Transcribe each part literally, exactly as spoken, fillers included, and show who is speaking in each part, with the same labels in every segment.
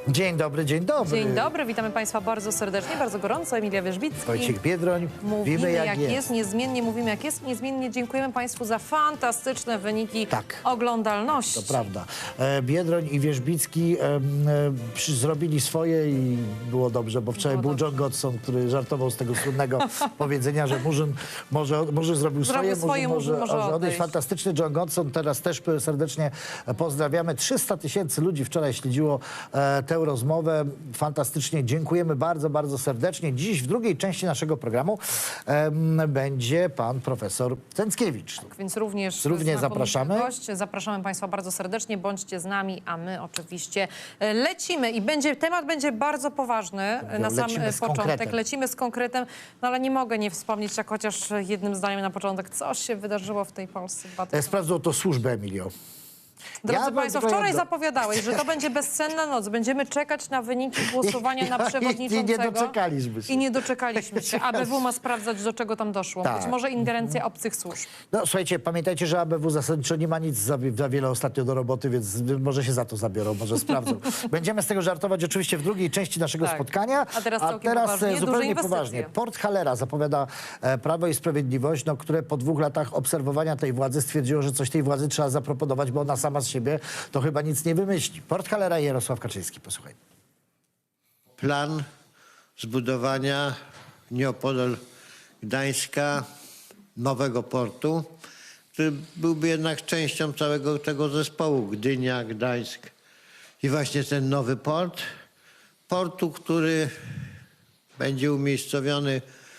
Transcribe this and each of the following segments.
Speaker 1: Dzień dobry, dzień dobry.
Speaker 2: Dzień dobry, witamy Państwa bardzo serdecznie, bardzo gorąco. Emilia Wierzbicki.
Speaker 1: Wojciech Biedroń.
Speaker 2: Mówimy jak, jak jest.
Speaker 1: jest.
Speaker 2: Niezmiennie mówimy jak jest. Niezmiennie dziękujemy Państwu za fantastyczne wyniki
Speaker 1: tak.
Speaker 2: oglądalności.
Speaker 1: To prawda. Biedroń i Wierzbicki e, e, zrobili swoje i było dobrze, bo wczoraj
Speaker 2: Było
Speaker 1: był
Speaker 2: dobrze.
Speaker 1: John Godson, który żartował z tego słynnego powiedzenia, że Murzyn może, może zrobił swoje,
Speaker 2: Zrobił swoje,
Speaker 1: może,
Speaker 2: może
Speaker 1: może
Speaker 2: odejść.
Speaker 1: Fantastyczny John Godson. Teraz też serdecznie pozdrawiamy. trzysta tysięcy ludzi wczoraj śledziło e, tę rozmowę. Fantastycznie. Dziękujemy bardzo, bardzo serdecznie. Dziś w drugiej części naszego programu em, będzie pan profesor Cęckiewicz.
Speaker 2: Tak, więc również,
Speaker 1: Również zapraszamy.
Speaker 2: Gość. Zapraszamy Państwa bardzo serdecznie. Bądźcie z nami, a my oczywiście lecimy. I będzie, temat będzie bardzo poważny na sam
Speaker 1: Lecimy z
Speaker 2: początek.
Speaker 1: konkretem.
Speaker 2: Lecimy z konkretem, no ale nie mogę nie wspomnieć, jak chociaż jednym zdaniem na początek, coś się wydarzyło w tej Polsce.
Speaker 1: E, Sprawdzą to służby, Emilio.
Speaker 2: Drodzy
Speaker 1: Ja
Speaker 2: Państwo,
Speaker 1: bym-
Speaker 2: wczoraj zapowiadałeś, że to będzie bezsenna noc. Będziemy czekać na wyniki głosowania na
Speaker 1: I- i-
Speaker 2: przewodniczącego.
Speaker 1: I nie doczekaliśmy się.
Speaker 2: I nie doczekaliśmy się. A B W ma sprawdzać, do czego tam doszło.
Speaker 1: Tak.
Speaker 2: Być może ingerencja obcych służb.
Speaker 1: No słuchajcie, pamiętajcie, że A B W zasadniczo nie ma nic za, za wiele ostatnio do roboty, więc może się za to zabiorą, może sprawdzą. Będziemy z tego żartować oczywiście w drugiej części naszego
Speaker 2: Tak.
Speaker 1: spotkania.
Speaker 2: A teraz całkiem
Speaker 1: teraz
Speaker 2: poważnie,
Speaker 1: e,
Speaker 2: duże
Speaker 1: zupełnie
Speaker 2: inwestycje.
Speaker 1: poważnie. Port Hallera zapowiada e, Prawo i Sprawiedliwość, no, które po dwóch latach obserwowania tej władzy stwierdziło, że coś tej władzy trzeba zaproponować, bo ona sama z siebie to chyba nic nie wymyśli. Port Hallera i Jarosław Kaczyński, posłuchaj.
Speaker 3: Plan zbudowania nieopodal Gdańska nowego portu, który byłby jednak częścią całego tego zespołu Gdynia, Gdańsk. I właśnie ten nowy port, portu, który będzie umiejscowiony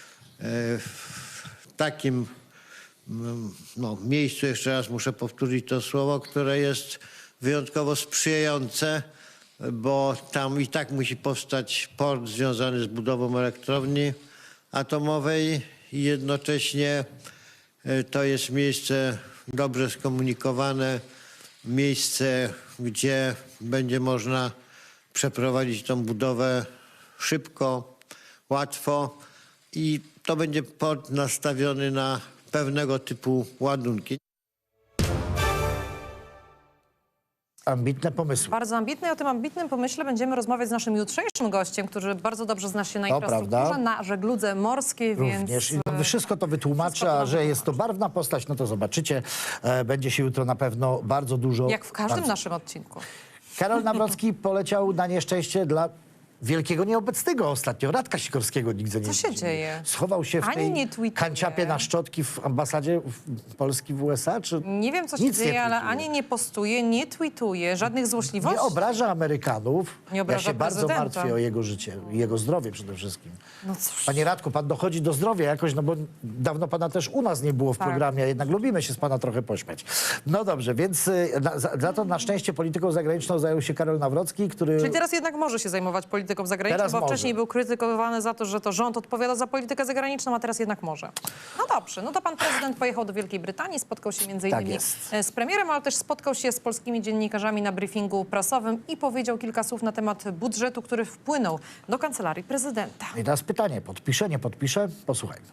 Speaker 3: w takim no, miejscu, jeszcze raz muszę powtórzyć to słowo, które jest wyjątkowo sprzyjające, bo tam i tak musi powstać port związany z budową elektrowni atomowej i jednocześnie to jest miejsce dobrze skomunikowane, miejsce, gdzie będzie można przeprowadzić tą budowę szybko, łatwo i to będzie port nastawiony na pewnego typu ładunki.
Speaker 1: Ambitne pomysły.
Speaker 2: Bardzo ambitne i o tym ambitnym pomyśle będziemy rozmawiać z naszym jutrzejszym gościem, który bardzo dobrze zna się na
Speaker 1: To
Speaker 2: infrastrukturze,
Speaker 1: prawda.
Speaker 2: na żegludze morskiej,
Speaker 1: Również.
Speaker 2: więc...
Speaker 1: I no, wszystko to wytłumaczy,
Speaker 2: wszystko to
Speaker 1: a że
Speaker 2: nam
Speaker 1: jest to barwna postać, no to zobaczycie. E, będzie się jutro na pewno bardzo dużo...
Speaker 2: Jak w każdym
Speaker 1: bardzo...
Speaker 2: naszym odcinku.
Speaker 1: Karol Nawrocki poleciał na nieszczęście dla wielkiego nieobecnego ostatnio. Radka Sikorskiego nigdzie nie
Speaker 2: Co się
Speaker 1: nie-
Speaker 2: dzieje?
Speaker 1: Schował się w
Speaker 2: Ani
Speaker 1: tej
Speaker 2: nie tweetuje.
Speaker 1: kanciapie na szczotki w ambasadzie w Polski w U S A? Czy
Speaker 2: Nie wiem, co się
Speaker 1: nic nie
Speaker 2: dzieje, ale
Speaker 1: tweetuje?
Speaker 2: ani nie postuje, nie tweetuje, żadnych złośliwości.
Speaker 1: Nie obraża Amerykanów.
Speaker 2: Nie obraża
Speaker 1: ja się bardzo
Speaker 2: prezydenta.
Speaker 1: martwię o jego życie i jego zdrowie przede wszystkim.
Speaker 2: No cóż.
Speaker 1: Panie Radku, pan dochodzi do zdrowia jakoś, no bo dawno pana też u nas nie było w
Speaker 2: Tak.
Speaker 1: programie, a jednak lubimy się z pana trochę pośmiać. No dobrze, więc y, na, za, za to na szczęście polityką zagraniczną zajął się Karol Nawrocki, który...
Speaker 2: Czyli teraz jednak może się zajmować polityką zagraniczną,
Speaker 1: Teraz
Speaker 2: bo
Speaker 1: może.
Speaker 2: wcześniej był krytykowany za to, że to rząd odpowiada za politykę zagraniczną, a teraz jednak może. No dobrze, no to pan prezydent pojechał do Wielkiej Brytanii, spotkał się między
Speaker 1: Tak
Speaker 2: innymi
Speaker 1: jest.
Speaker 2: z premierem, ale też spotkał się z polskimi dziennikarzami na briefingu prasowym i powiedział kilka słów na temat budżetu, który wpłynął do kancelarii prezydenta.
Speaker 1: I teraz pytanie, podpisze, nie podpisze? Posłuchajmy.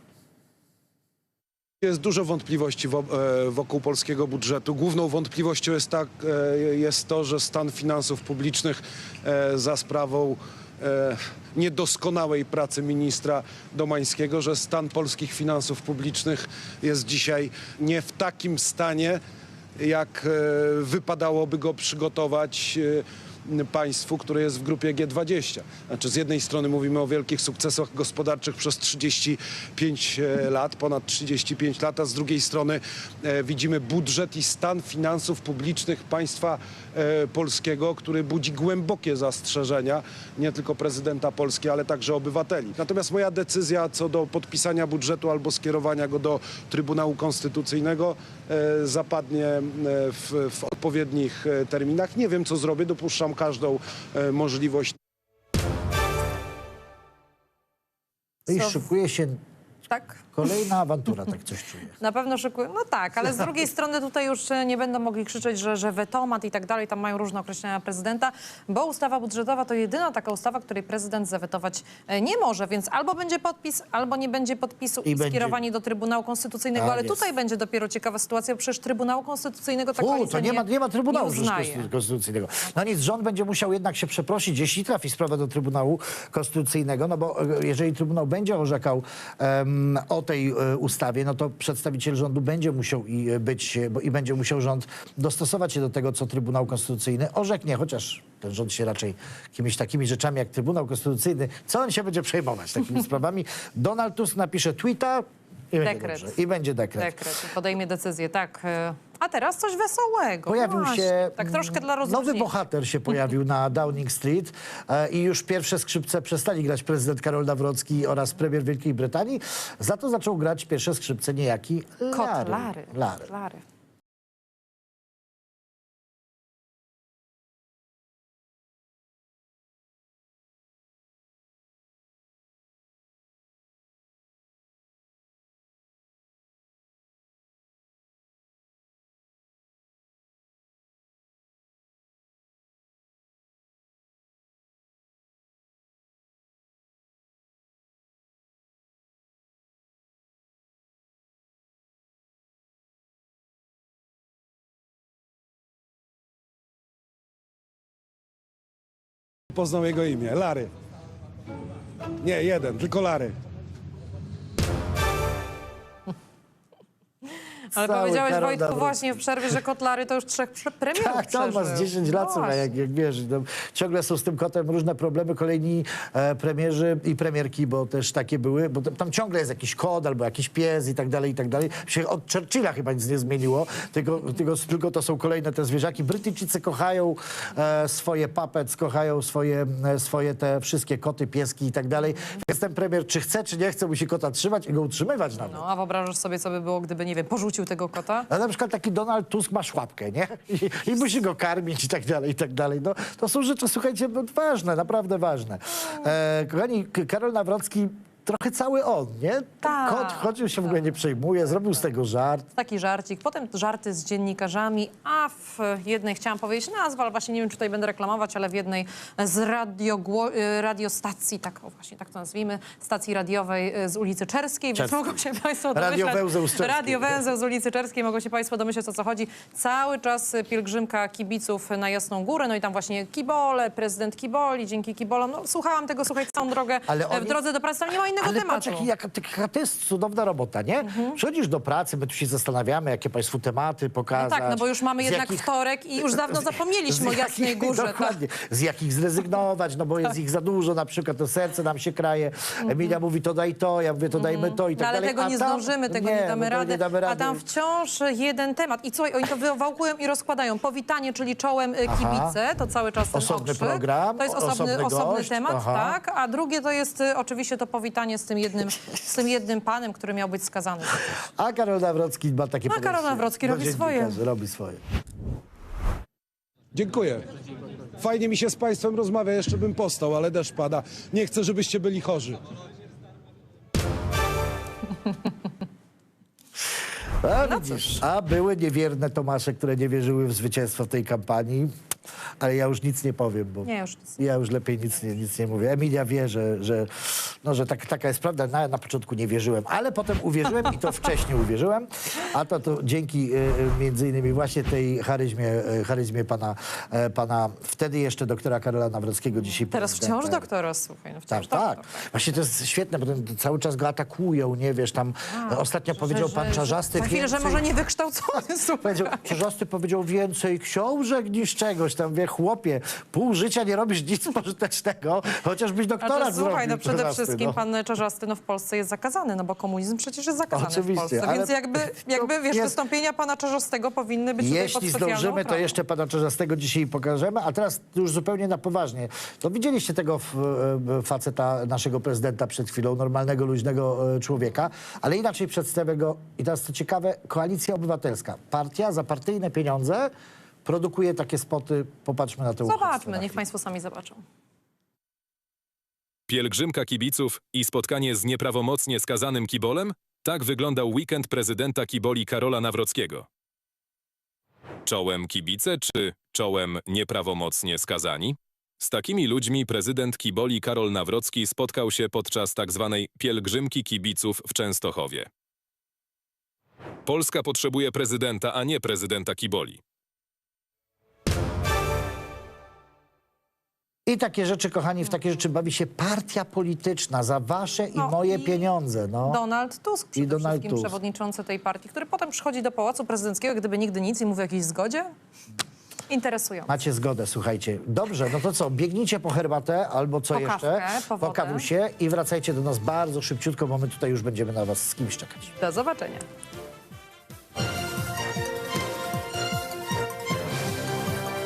Speaker 4: Jest dużo wątpliwości wo- e, wokół polskiego budżetu. Główną wątpliwością jest, tak, e, jest to, że stan finansów publicznych e, za sprawą e, niedoskonałej pracy ministra Domańskiego, że stan polskich finansów publicznych jest dzisiaj nie w takim stanie, jak e, wypadałoby go przygotować e, państwu, które jest w grupie G dwadzieścia. Znaczy z jednej strony mówimy o wielkich sukcesach gospodarczych przez trzydzieści pięć lat, ponad trzydzieści pięć lat, a z drugiej strony e, widzimy budżet i stan finansów publicznych państwa e, polskiego, który budzi głębokie zastrzeżenia, nie tylko prezydenta Polski, ale także obywateli. Natomiast moja decyzja co do podpisania budżetu albo skierowania go do Trybunału Konstytucyjnego e, zapadnie e, w, w odpowiednich e, terminach. Nie wiem, co zrobię, dopuszczam każdą e, możliwość.
Speaker 1: I
Speaker 2: Co?
Speaker 1: szykuje się
Speaker 2: Tak?
Speaker 1: Kolejna awantura, tak coś czuję.
Speaker 2: Na pewno szykują. No tak, ale z drugiej strony tutaj już e, nie będą mogli krzyczeć, że, że wetomat i tak dalej, tam mają różne określenia prezydenta, bo ustawa budżetowa to jedyna taka ustawa, której prezydent zawetować e, nie może, więc albo będzie podpis, albo nie będzie podpisu i,
Speaker 1: I
Speaker 2: i
Speaker 1: będzie-
Speaker 2: skierowanie do Trybunału Konstytucyjnego,
Speaker 1: Tak
Speaker 2: ale
Speaker 1: jest.
Speaker 2: tutaj będzie dopiero ciekawa sytuacja, bo przecież Trybunału Konstytucyjnego ta
Speaker 1: U,
Speaker 2: koalicja
Speaker 1: to nie ma, nie ma Trybunału
Speaker 2: nie uznaje.
Speaker 1: Konstytucyjnego. No nic, rząd będzie musiał jednak się przeprosić, jeśli trafi sprawa do Trybunału Konstytucyjnego, no bo e, jeżeli Trybunał będzie orzekał em, o tej e, ustawie, no to przedstawiciel rządu będzie musiał i e, być, e, bo, i będzie musiał rząd dostosować się do tego, co Trybunał Konstytucyjny orzeknie, chociaż ten rząd się raczej jakimiś takimi rzeczami jak Trybunał Konstytucyjny, co on się będzie przejmować takimi sprawami? Donald Tusk napisze tweeta i będzie
Speaker 2: Dekret.
Speaker 1: dobrze. I będzie dekret.
Speaker 2: Dekret, podejmie decyzję, tak. e, A teraz coś wesołego.
Speaker 1: Pojawił
Speaker 2: Właśnie.
Speaker 1: się
Speaker 2: Tak troszkę dla
Speaker 1: nowy
Speaker 2: rozluźnienia.
Speaker 1: bohater się pojawił na Downing Street e, i już pierwsze skrzypce przestali grać prezydent Karol Nawrocki oraz premier Wielkiej Brytanii. Za to zaczął grać pierwsze skrzypce niejaki Larry.
Speaker 2: Kot Larry.
Speaker 1: Larry.
Speaker 2: Larry.
Speaker 4: Poznał jego imię, Larry. Nie, jeden, tylko Larry.
Speaker 2: Ale
Speaker 1: Cały
Speaker 2: powiedziałeś,
Speaker 1: Karol
Speaker 2: Wojtku,
Speaker 1: Nawrocki.
Speaker 2: właśnie w przerwie, że kot Larry to już trzech prze- premierów
Speaker 1: Tak, tam
Speaker 2: przeżył.
Speaker 1: masz dziesięć lat,
Speaker 2: No
Speaker 1: słuchaj, jak,
Speaker 2: właśnie.
Speaker 1: jak wiesz. No, ciągle są z tym kotem różne problemy. Kolejni e, premierzy i premierki, bo też takie były, bo tam, tam ciągle jest jakiś kot albo jakiś pies i tak dalej, i tak dalej. Się od Churchilla chyba nic nie zmieniło, tylko, tylko, tylko to są kolejne te zwierzaki. Brytyjczycy kochają e, swoje puppets, kochają swoje, e, swoje te wszystkie koty, pieski i tak dalej. Więc ten premier, czy chce, czy nie chce, musi kota trzymać i go utrzymywać nawet.
Speaker 2: No, a wyobrażasz sobie, co by było, gdyby, nie wiem, porzucił tego kota?
Speaker 1: A na przykład taki Donald Tusk ma szłapkę, nie? I, i musi go karmić i tak dalej, i tak dalej. No, to są rzeczy, słuchajcie, no, ważne, naprawdę ważne. E, kochani, K- Karol Nawrocki trochę cały on, nie? Ten
Speaker 2: Tak,
Speaker 1: Kot chodził się w ogóle nie przejmuje, zrobił z tego żart.
Speaker 2: Taki żarcik, potem żarty z dziennikarzami, a w jednej, chciałam powiedzieć nazwę, ale właśnie nie wiem, czy tutaj będę reklamować, ale w jednej z radiogło- y, radiostacji, tak o właśnie tak to nazwijmy, stacji radiowej y, z ulicy Czerskiej, więc
Speaker 1: Czerskiej.
Speaker 2: mogą się Państwo
Speaker 1: Radio
Speaker 2: domyśleć.
Speaker 1: Węzeł z Czerskiej.
Speaker 2: Radio Węzeł z ulicy Czerskiej, mogą się Państwo domyśleć, o co chodzi. Cały czas y, pielgrzymka kibiców na Jasną Górę, no i tam właśnie kibole, prezydent kiboli, dzięki kibolom. No, słuchałam tego, słuchaj, całą drogę
Speaker 1: Ale
Speaker 2: e, w
Speaker 1: oni-
Speaker 2: drodze do pracy, tam nie ma innego
Speaker 1: Ale
Speaker 2: tematu.
Speaker 1: patrz, jaki, jaka, jaka to jest cudowna robota, nie? Przychodzisz do pracy, my tu się zastanawiamy, jakie Państwu tematy
Speaker 2: No
Speaker 1: pokazać.
Speaker 2: tak, no bo już mamy
Speaker 1: z
Speaker 2: jednak
Speaker 1: jakich-
Speaker 2: wtorek i już dawno
Speaker 1: z-
Speaker 2: zapomnieliśmy o
Speaker 1: z
Speaker 2: Jasnej
Speaker 1: jakich-
Speaker 2: Górze. Tak.
Speaker 1: Dokładnie. Z jakich zrezygnować, no bo jest ich za dużo, na przykład to serce nam się kraje. Emilia mówi to daj to, ja mówię to dajmy to i tak
Speaker 2: No ale
Speaker 1: dalej.
Speaker 2: tego
Speaker 1: A
Speaker 2: nie
Speaker 1: tam-
Speaker 2: zdążymy, tego nie,
Speaker 1: no
Speaker 2: damy,
Speaker 1: to
Speaker 2: rady,
Speaker 1: nie damy
Speaker 2: a
Speaker 1: rady.
Speaker 2: tam wciąż jeden temat. I co, oni to wywałkują i rozkładają. Powitanie, czyli czołem y, kibice, to cały czas ten
Speaker 1: Osobny
Speaker 2: okrzyk.
Speaker 1: program,
Speaker 2: To jest
Speaker 1: osobny
Speaker 2: osobny, osobny
Speaker 1: gość,
Speaker 2: temat,
Speaker 1: aha.
Speaker 2: tak. A drugie to jest y, oczywiście to powitanie z tym jednym, z tym jednym panem, który miał być skazany.
Speaker 1: A Karol Nawrocki ma takie
Speaker 2: A Karol
Speaker 1: podejście
Speaker 2: Nawrocki
Speaker 1: do
Speaker 2: robi swoje.
Speaker 1: dziennikarzy, Robi swoje.
Speaker 4: Dziękuję. Fajnie mi się z Państwem rozmawia, jeszcze bym postał, ale deszcz pada. Nie chcę, żebyście byli chorzy.
Speaker 1: A,
Speaker 2: No
Speaker 1: widzisz, a były niewierne Tomasze, które nie wierzyły w zwycięstwo w tej kampanii, ale ja już nic nie powiem, bo
Speaker 2: Nie, już nic.
Speaker 1: ja już lepiej nic nie, nic nie mówię. Emilia wie, że, że, no, że tak, taka jest prawda. Na, na początku nie wierzyłem, ale potem uwierzyłem i to wcześniej uwierzyłem, a to, to dzięki y, y, między innymi właśnie tej charyzmie, y, charyzmie pana, y, pana wtedy jeszcze doktora Karola Nawrockiego, dzisiaj
Speaker 2: Teraz
Speaker 1: prezydenta.
Speaker 2: wciąż doktora, słuchaj. No wciąż
Speaker 1: Tak, tak.
Speaker 2: doktor.
Speaker 1: Właśnie to jest świetne, bo ten, cały czas go atakują, nie wiesz, tam e, ostatnio powiedział
Speaker 2: Że-
Speaker 1: pan
Speaker 2: że-
Speaker 1: Czarzasty
Speaker 2: Za chwilę, że
Speaker 1: więcej-
Speaker 2: może niewykształcony, słuchaj.
Speaker 1: Powiedział, Czarzasty powiedział więcej książek niż czegoś tam, wie, chłopie, pół życia nie robisz nic pożytecznego, chociażbyś
Speaker 2: A
Speaker 1: doktorat
Speaker 2: to, słuchaj, no
Speaker 1: zrobił,
Speaker 2: przede
Speaker 1: Czarzasty,
Speaker 2: wszystkim
Speaker 1: no.
Speaker 2: pan Czarzasty no, w Polsce jest zakazany, no bo komunizm przecież jest zakazany
Speaker 1: Oczywiście,
Speaker 2: w Polsce,
Speaker 1: ale-
Speaker 2: więc jakby, jakby wiesz,
Speaker 1: jest-
Speaker 2: wystąpienia pana Czarzastego powinny być tutaj pod
Speaker 1: Jeśli
Speaker 2: specjalną
Speaker 1: zdążymy, to
Speaker 2: ochroną.
Speaker 1: jeszcze pana Czarzastego dzisiaj pokażemy, a teraz już zupełnie na poważnie. To widzieliście tego f, e, faceta, naszego prezydenta przed chwilą, normalnego, luźnego e, człowieka, ale inaczej przedstawię go, i teraz co ciekawe, Koalicja Obywatelska, partia za partyjne pieniądze produkuje takie spoty, popatrzmy na to.
Speaker 2: Zobaczmy, niech państwo sami zobaczą.
Speaker 5: Pielgrzymka kibiców i spotkanie z nieprawomocnie skazanym kibolem? Tak wyglądał weekend prezydenta Kiboli Karola Nawrockiego. Czołem kibice czy czołem nieprawomocnie skazani? Z takimi ludźmi prezydent Kiboli Karol Nawrocki spotkał się podczas tzw. pielgrzymki kibiców w Częstochowie. Polska potrzebuje prezydenta, a nie prezydenta Kiboli.
Speaker 1: I takie rzeczy, kochani, w takie rzeczy bawi się partia polityczna za wasze i
Speaker 2: No
Speaker 1: moje
Speaker 2: i
Speaker 1: pieniądze. No.
Speaker 2: Donald Tusk przede
Speaker 1: Donald
Speaker 2: wszystkim,
Speaker 1: Tusk.
Speaker 2: przewodniczący tej partii, który potem przychodzi do Pałacu Prezydenckiego, gdyby nigdy nic i mówi o jakiejś zgodzie. Interesujące.
Speaker 1: Macie zgodę, słuchajcie. Dobrze, no to co, biegnijcie po herbatę albo co
Speaker 2: Po
Speaker 1: jeszcze,
Speaker 2: kawkę, po
Speaker 1: po
Speaker 2: wodę.
Speaker 1: kawusie i wracajcie do nas bardzo szybciutko, bo my tutaj już będziemy na was z kimś czekać.
Speaker 2: Do zobaczenia.